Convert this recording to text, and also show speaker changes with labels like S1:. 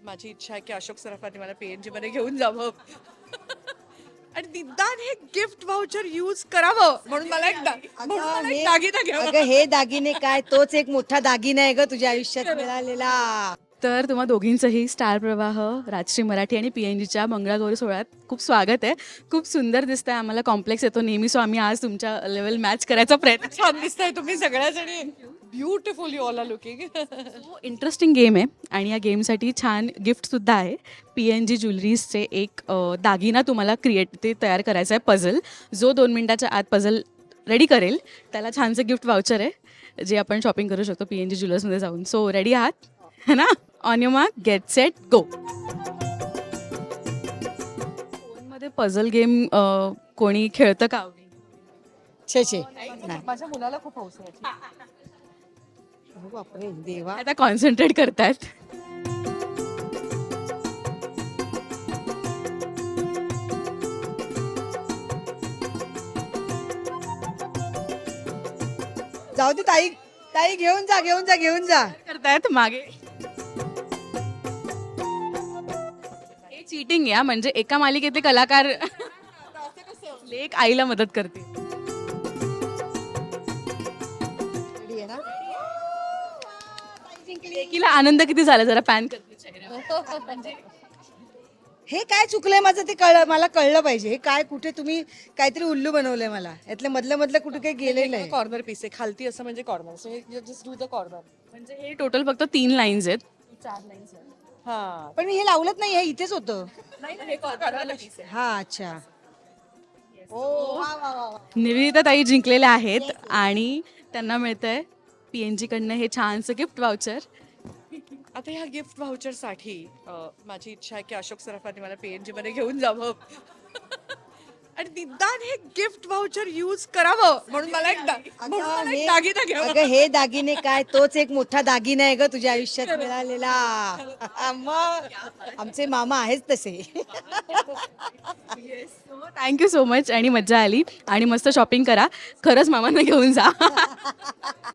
S1: माझी इच्छा आहे की अशोक सराफांनी मला PNG मध्ये घेऊन जावं आणि निदान हे गिफ्ट व्हाउचर यूज करावं म्हणून मला म्हणून मला एक दागिना घ्यावा.
S2: अगं हे दागिने काय, तोच एक मोठा दागिना आहे ग तुझ्या आयुष्यात मिळालेला.
S3: तर तुम्हा दोघींचंही स्टार प्रवाह, राजश्री मराठी आणि PNGच्या मंगळागौरी सोहळ्यात खूप स्वागत आहे. खूप सुंदर दिसतंय, आम्हाला कॉम्प्लेक्स येतो नेहमी, सो आम्ही आज तुमच्या लेवल मॅच करायचा प्रयत्न.
S1: छान दिसताय तुम्ही सगळ्याजणी. Beautiful you all are looking.
S3: Interesting game आहे आणि या गेमसाठी छान गिफ्टसुद्धा आहे. PNG ज्वेलरीजचे एक दागिना तुम्हाला तयार करायचा आहे पझल. जो 2 मिनिटाच्या आत पझल रेडी करेल त्याला छानसं गिफ्ट वाउचर आहे जे आपण शॉपिंग करू शकतो PNG ज्वेलर्समध्ये जाऊन. सो रेडी आहात है ना? On your mark, get set, go. फोनमध्ये पझल गेम कोणी खेळतं का आवडी?
S2: छे
S1: माझ्या मुलाला खूप हौस आहे.
S2: बापरे देवा.
S3: आता कॉन्सन्ट्रेट करतायत.
S2: जाऊ दे ताई, ताई घेऊन जा.
S3: करतायत मागे. हे चीटिंग या, म्हणजे एका मालिकेतले कलाकार लेक आईला मदत करते.
S2: रेडी आहे ना?
S3: लेकीला आनंद किती झाला जरा पॅन करते चेहऱ्यावर.
S2: हे काय चुकलंय माझं ते मला कळलं पाहिजे. हे काय, कुठे तुम्ही काहीतरी उल्लू बनवलंय मला. यातलं मधलं कुठे काही गेलेलं आहे.
S1: कॉर्नर पीस आहे खालती असं म्हणजे corner. So just do the corner.
S3: म्हणजे हे टोटल फक्त 3 लाईन्स आहेत. 4 लाईन्स आहेत.
S1: हा
S2: पण मी हे लावलंच नाही, हे इथेच होतं.
S1: नाही हे कॉर्नर पीस आहे.
S2: हा अच्छा. ओ वा वा वा.
S3: निवेदिता ताई जिंकलेल्या आहेत आणि त्यांना मिळतंय PNG कडनं हे छानसं गिफ्ट वाउचर.
S1: आता ह्या गिफ्ट व्हाउचरसाठी माझी इच्छा आहे की अशोक सराफांनी मला PNG मध्ये घेऊन जावं आणि निदान हे गिफ्ट व्हाउचर यूज करावं म्हणून मला एक दागिना घ्यावा.
S2: अगं हे दागिने काय, तोच एक मोठा दागिना आहे ग तुझ्या आयुष्यात मिळालेला. मग आमचे मामा आहेच तसे.
S3: थँक्यू सो मच आणि मज्जा आली आणि मस्त शॉपिंग करा. खरंच मामांना घेऊन जा.